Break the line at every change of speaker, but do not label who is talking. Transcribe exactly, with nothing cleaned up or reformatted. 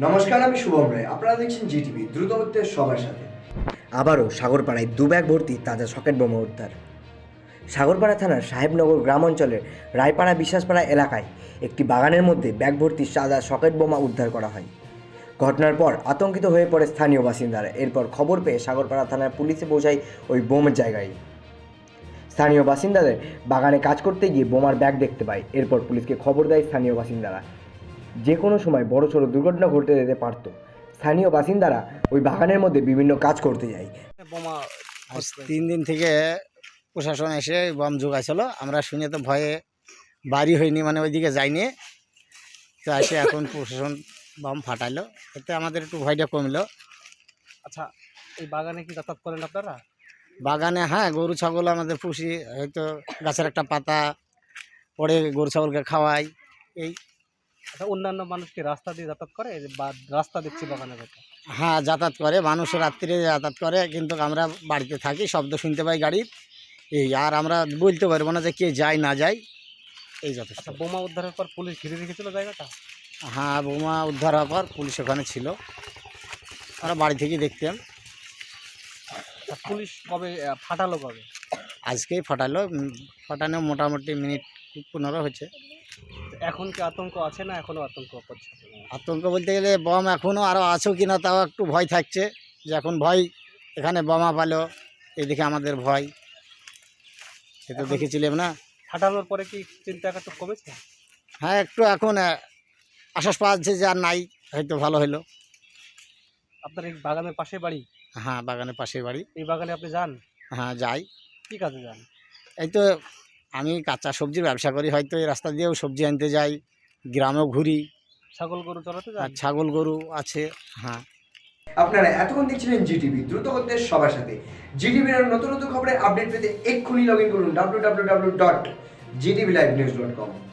নমস্কার, আমি শুভম রায়। আপনারা দেখছেন জিটিভি, দ্রুত হচ্ছে সবার সাথে।
আবারও সাগরপাড়ায় দু ব্যাগ ভর্তি তাজা সকেট বোমা উদ্ধার। সাগরপাড়া থানার সাহেবনগর গ্রাম অঞ্চলের রায়পাড়া বিশ্বাসপাড়া এলাকায় একটি বাগানের মধ্যে ব্যাগ ভর্তি সাদা সকেট বোমা উদ্ধার করা হয়। ঘটনার পর আতঙ্কিত হয়ে পড়ে স্থানীয় বাসিন্দারা। এরপর খবর পেয়ে সাগরপাড়া থানার পুলিশে পৌঁছায় ওই বোমের জায়গায়। স্থানীয় বাসিন্দাদের বাগানে কাজ করতে গিয়ে বোমার ব্যাগ দেখতে পায়। এরপর পুলিশকে খবর দেয় স্থানীয় বাসিন্দারা। যে কোনো সময় বড়সড় দুর্ঘটনা ঘটতে যেতে পারত। স্থানীয় বাসিন্দারা ওই বাগানের মধ্যে বিভিন্ন কাজ করতে যায়।
বোমা আজ তিন দিন থেকে প্রশাসন এসে বম জোগাইছিল, আমরা শুনে তো ভয়ে বাড়ি হয়নি, মানে ওইদিকে যাইনি। তো এসে এখন প্রশাসন বম ফাটাইলো, এতে আমাদের একটু ভয়টা কমলো।
আচ্ছা, এই বাগানে কি যাতায়াত করেন আপনারা?
বাগানে হ্যাঁ, গরু ছাগল আমাদের পুষি, হয়তো গাছের একটা পাতা পড়ে গরু ছাগলকে খাওয়াই এই।
আচ্ছা, অন্যান্য মানুষ কি রাস্তা দিয়ে যাতায়াত করে, বা রাস্তা দেখছি বাগানের কথা?
হ্যাঁ, যাতায়াত করে, মানুষ রাত্রিরে যাতায়াত করে, কিন্তু আমরা বাড়িতে থাকি, শব্দ শুনতে পাই গাড়ির এই। আর আমরা বলতে পারবো না যে কে যায় না যায়, এই যথেষ্ট।
আচ্ছা, বোমা উদ্ধারের পর পুলিশ ঘিরে রেখেছিল জায়গাটা?
হ্যাঁ, বোমা উদ্ধার হওয়ার পর পুলিশ ওখানে ছিল, আমরা বাড়ি থেকেই দেখতাম।
আচ্ছা, পুলিশ কবে আহ, ফাটালো কবে?
আজকেই ফাটালো, উম, ফাটানো মোটামুটি মিনিট পনেরো হয়েছে।
তো এখন কি আতঙ্ক আছে না এখনো আতঙ্ক করছে?
আতঙ্ক বলতে গেলে বম এখনও আরও আছো কি না তাও একটু ভয় থাকছে, যে এখন ভয়, এখানে বোমা পালো, এদিকে আমাদের ভয়, সে তো দেখেছিলাম না।
ফাটানোর পরে কি চিন্তা একটু কমেছে?
হ্যাঁ, একটু এখন আহ, আশ্বাস পাওয়া যাচ্ছে যে আর নাই, হয়তো ভালো হলো।
আপনার এই বাগানের পাশে বাড়ি?
হ্যাঁ, বাগানের পাশে বাড়ি।
এই বাগানে আপনি যান?
হ্যাঁ, যাই।
কি কাজে যান?
এই তো আমি কাঁচা সবজির ব্যবসা করি, হয়তো এই রাস্তা দিয়েও সবজি আনতে যাই, গ্রামেও ঘুরি,
ছাগল গরু চড়াতে
আর
যান?
ছাগল গরু আছে। হ্যাঁ,
আপনারা এতক্ষণ দেখছিলেন জিটিভি, দ্রুত হচ্ছে সবার সাথে। জিটিভির নতুন নতুন খবরের আপডেট পেতে এক্ষুনি লগ ইন করুন W W W dot ZTV live news dot কম।